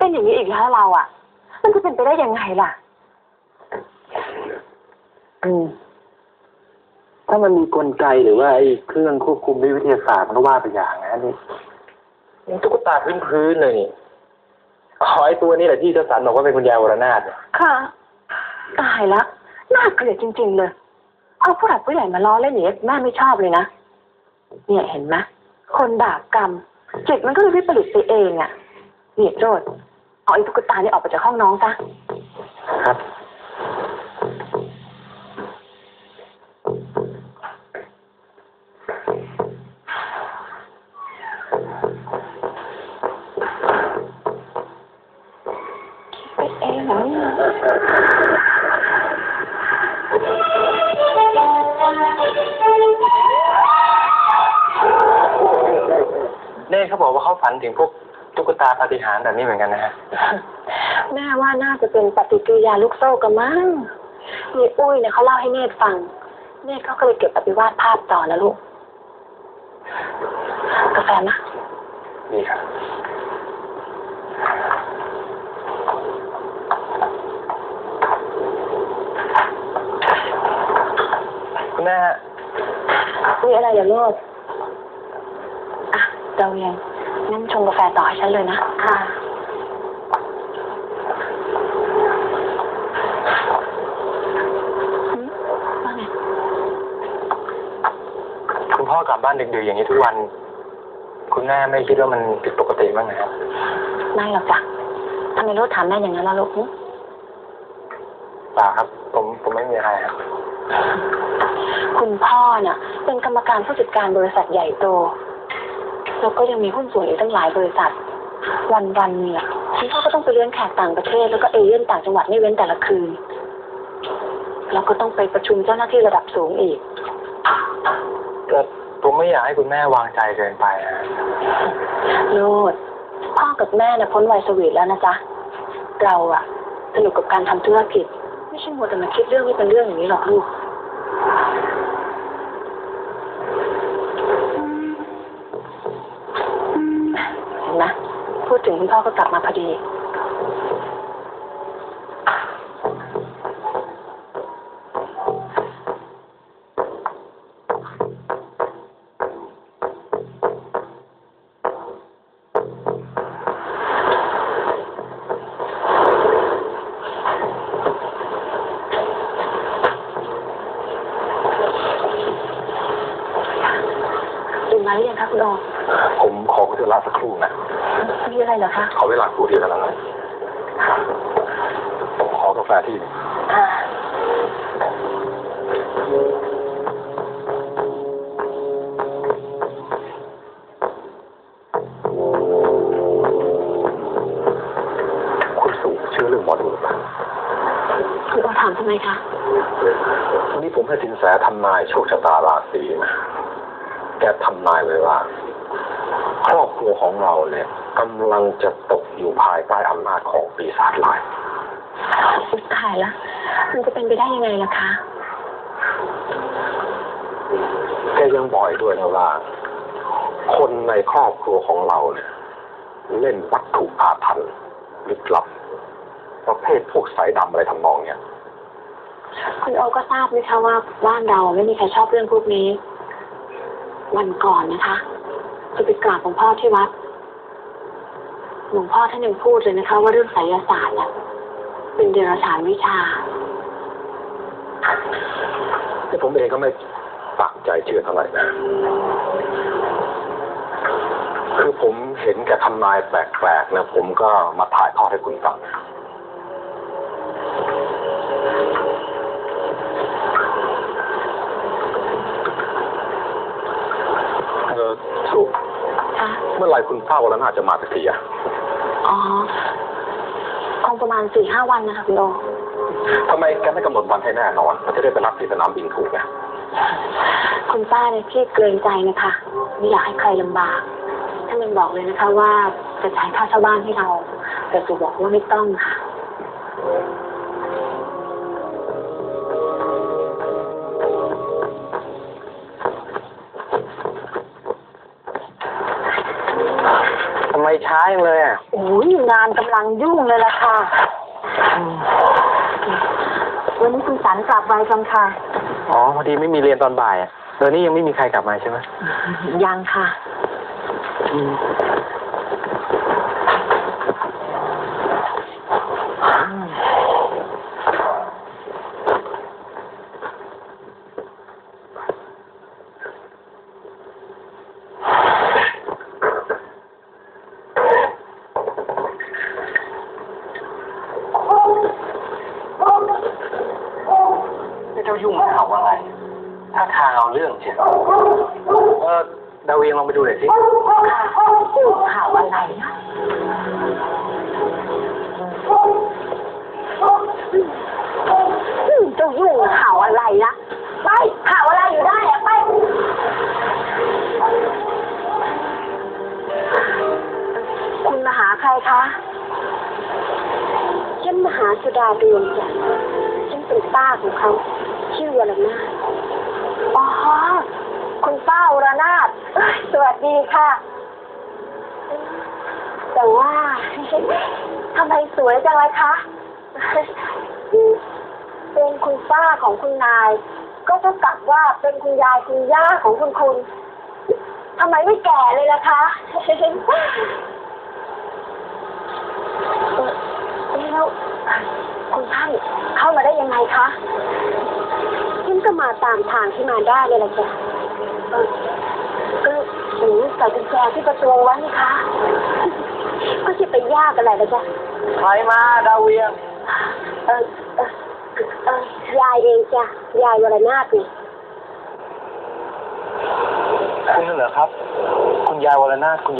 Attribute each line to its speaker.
Speaker 1: เป็นอย่างนี้อีกแล้วเราอ่ะมันจะเป็นไปได้ยังไงล่ะ
Speaker 2: ถ้ามันมีกลไกหรือว่าไอ้เครื่องควบคุมด้วยวิทยาศาสตร์มันก็ว่าไปอย่างนะนี่ตุ๊กตาพื้นเลยนี่ไอ้ตัวนี้แหละที่เจ้าสันบอกว่าเป็นคุณยายวรนาถ
Speaker 1: ค่ะตายแล้วน่าเกลียดจริงๆเลยเอาผู้หลักผู้ใหญ่มาล้อเล่นอย่างนี้แม่ไม่ชอบเลยนะเนี่ยเห็นไหมคนบาปกรรมจิตมันก็เลยวิปริตไปเองอ่ะเนี่ยโจทย์เอาไอ้ตุ๊กตานี่ออกไปจากห้องน้องซะ
Speaker 2: ครับ
Speaker 1: เองเหรอ
Speaker 2: เน่เขาบอกว่าเขาฝันถึงพวกตุ๊กตาปาฏิหาริย์แบบนี้เหมือนกันนะฮะ
Speaker 1: แม่ว่าน่าจะเป็นปฏิกิริยาลูกโซ่กันมั้งมีอุ้ยเนี่ยเขาเล่าให้เนตรฟังเนตรเขาก็เลยเก็บไปวาดภาพต่อนะลูกกาแฟนะ
Speaker 2: นี่ครับคุณแม่
Speaker 1: มีอะไรอย่าโลดอ่ะเดาเองงั้นชงกาแฟต่อให้ฉันเลยนะค่ะว่าไง
Speaker 2: คุณพ่อกลับบ้านดึกๆอย่างนี้ทุกวันคุณแม่ไม่คิดว่ามันผิดปกติบ้างนะครับ
Speaker 1: ไม่หรอกจ้ะทำไมลูกถามแม่อย่างนั้นล่ะลูก
Speaker 2: เปล่าครับผมไม่มีอะไรครับ
Speaker 1: คุณพ่อน่ะเป็นกรรมการผู้จัดการบริษัทใหญ่โตแล้วก็ยังมีหุ้นส่วนอีกตั้งหลายบริษัทวันๆเนี่ยคุณพ่อก็ต้องไปเลี้ยงแขกต่างประเทศแล้วก็เอเย่นต่างจังหวัดไม่เว้นแต่ละคืนแล้วก็ต้องไปประชุมเจ้าหน้าที่ระดับสูงอีก
Speaker 2: แต่ผมไม่อยากให้คุณแม่วางใจเกินไปฮะ
Speaker 1: โลดพ่อกับแม่น่ะพ้นวัยสวีทแล้วนะจ๊ะเราอะสนุกกับการทำธุรกิจไม่ใช่มัวแต่มาคิดเรื่องไม่เป็นเรื่องอย่างนี้หรอกลูกเห็นไหมพูดถึงคุณพ่อก็กลับมาพอดีมาหรือยังคะคุณโอ
Speaker 2: ผมขอเวลาสักครู่นะ
Speaker 1: มีอะไรเหรอคะ
Speaker 2: ขอเวลาครู่เดียวเท่านั้นผมขอกาแฟที่คุณสุเชื่อเรื่องหมอดูหรือเปล่า
Speaker 1: คุณโอถามทำไมคะ
Speaker 2: วันนี้ผมให้สินแสทำนายโชคชะตาราศีนะแกทำนายเลยว่าครอบครัวของเราเนี่ยกำลังจะตกอยู่ภายใต้อำนาจของปีศาจร้าย
Speaker 1: ตายละมันจะเป็นไปได้ยังไงล่ะคะ
Speaker 2: แกยังบอกด้วยนะว่าคนในครอบครัวของเราเนี่ยเล่นวัตถุอาถรรพ์ลึกลับประเภทพวกสายดำอะไรทำนองเนี้ย
Speaker 1: คุณโอก็ทราบไหมคะว่าบ้านเราไม่มีใครชอบเรื่องพวกนี้วันก่อนนะคะจะไปกราบหลวงพ่อที่วัดหลวงพ่อท่านยังพูดเลยนะคะว่าเรื่องไสยศาสตร์เนี่ยเป็นเดรัจฉานวิชา
Speaker 2: แต่ผมเองก็ไม่ปักใจเชื่อเท่าไหร่นะคือผมเห็นแกทำนายแปลกๆนะผมก็มาถ่ายทอดให้คุณฟังสุเมื่อไหร่คุณป้าวรนาถจะมาสักทีอ่ะ
Speaker 1: อ๋อคงประมาณ 4-5 วันนะคะคุณโอ
Speaker 2: ทำไมแกไม่กำหนดวันให้แน่นอนมันจะได้ไปรับที่สนามบินถูกไง
Speaker 1: คุณป้าเนี่ยขี้เกรงใจนะคะไม่อยากให้ใครลำบากท่านยังบอกเลยนะคะว่าจะจ่ายค่าเช่าบ้านให้เราแต่สุบอกว่าไม่ต้องค่ะ
Speaker 2: ทำไมช้าจังเลยอ่ะ
Speaker 1: โอ้ยงานกำลังยุ่งเลยล่ะค่ะ วันนี้คุณสันกลับไวจังค่ะ
Speaker 2: อ๋อพอดีไม่มีเรียนตอนบ่ายอ่ะเดี๋ยวนี้ยังไม่มีใครกลับมาใช่ไหม
Speaker 1: ยังค่ะ
Speaker 2: เจ้ายุ่งมันเห่าอะไรถ้าทางเอาเรื่องเชียวดาวเวียงลองไปดูหน่อยสิ
Speaker 1: ข่าวอะไรนะเจ้ายุ่งข่าวอะไรนะไปข่าวอะไรอยู่ได้อะไปคุณมาหาใครคะฉันมาหาสุดาเรืองจ้ะฉันเป็นป้าของเขาชื่อวรนาถอ๋อคุณป้าวรนาถสวัสดีค่ะแต่ว่าทำไมสวยจังเลยคะเป็นคุณป้าของคุณนายก็เท่ากับว่าเป็นคุณยายคุณย่าของคุณทำไมไม่แก่เลยล่ะคะแล้วคุณท่านเข้ามาได้ยังไงคะฉันก็มาตามทางที่มาได้เลยล่ะจ้ะก็หนูใส่กุญแจที่ประตูไว้นี่คะก็จะไปยากอะไรล่ะจ้ะ
Speaker 2: ใครมาดาวเวียง
Speaker 1: ยายเองจ้ะยายวรนาถนี่
Speaker 2: คุณเหรอครับคุณยายวรนาถคุณ